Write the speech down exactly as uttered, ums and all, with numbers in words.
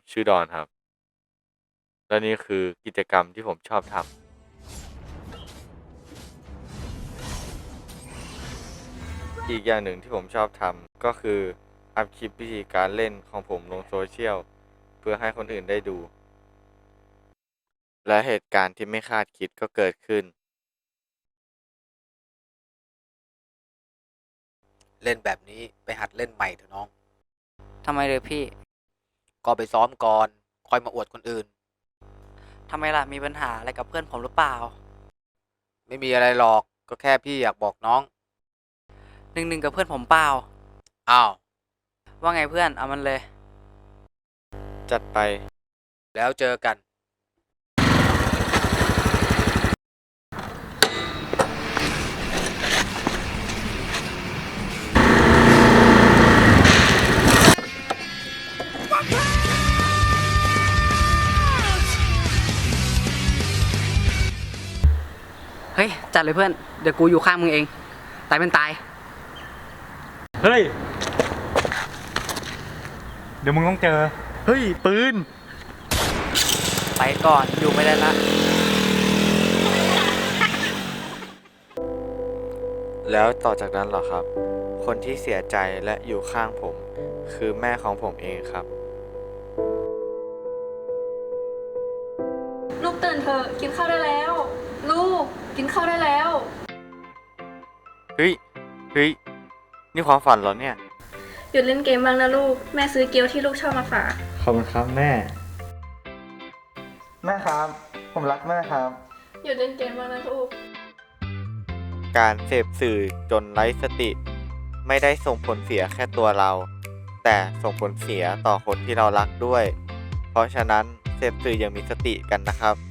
ชื่อดอนครับ และนี่คือกิจกรรมที่ผมชอบทำอีกอย่างหนึ่งที่ผมชอบทำก็คืออัพคลิปวิธีการเล่นของผมลงโซเชียลเพื่อให้คนอื่นได้ดู และเหตุการณ์ที่ไม่คาดคิดก็เกิดขึ้นเล่นแบบนี้ไปหัดเล่นใหม่เถอะน้องทำไมเลยพี่ก็ไปซ้อมก่อนค่อยมาอวดคนอื่นทำไมล่ะ มีปัญหาอะไรกับเพื่อนผมหรือเปล่าไม่มีอะไรหรอกก็แค่พี่อยากบอกน้องหนึ่งหนึ่งกับเพื่อนผมเปล่าอ้าวว่าไงเพื่อน เอามันเลยจัดไปแล้วเจอกันเฮ้ย จัดเลยเพื่อน เดี๋ยวกูอยู่ข้างมึงเอง ตายเป็นตายเฮ้ย เดี๋ยวมึงต้องเจอ เฮ้ย ปืนไปก่อน อยู่ไม่ได้ละแล้วต่อจากนั้นเหรอครับ คนที่เสียใจและอยู่ข้างผม คือแม่ของผมเองครับลูกตื่นเถอะกินข้าวได้แล้ว ลูกกินข้าวได้แล้วเฮ้ย เฮ้ย นี่ความฝันเหรอเนี่ยหยุดเล่นเกมบ้างนะลูกแม่ซื้อเกี๊ยวที่ลูกชอบมาฝากขอบคุณครับแม่ แม่ครับ ผมรักแม่ครับหยุดเล่นเกมบ้างนะลูกการเสพสื่อจนไร้สติ ไม่ได้ส่งผลเสียแค่ตัวเรา แต่ส่งผลเสียต่อคนที่เรารักด้วย เพราะฉะนั้นเสพสื่ออย่างมีสติกันนะครับ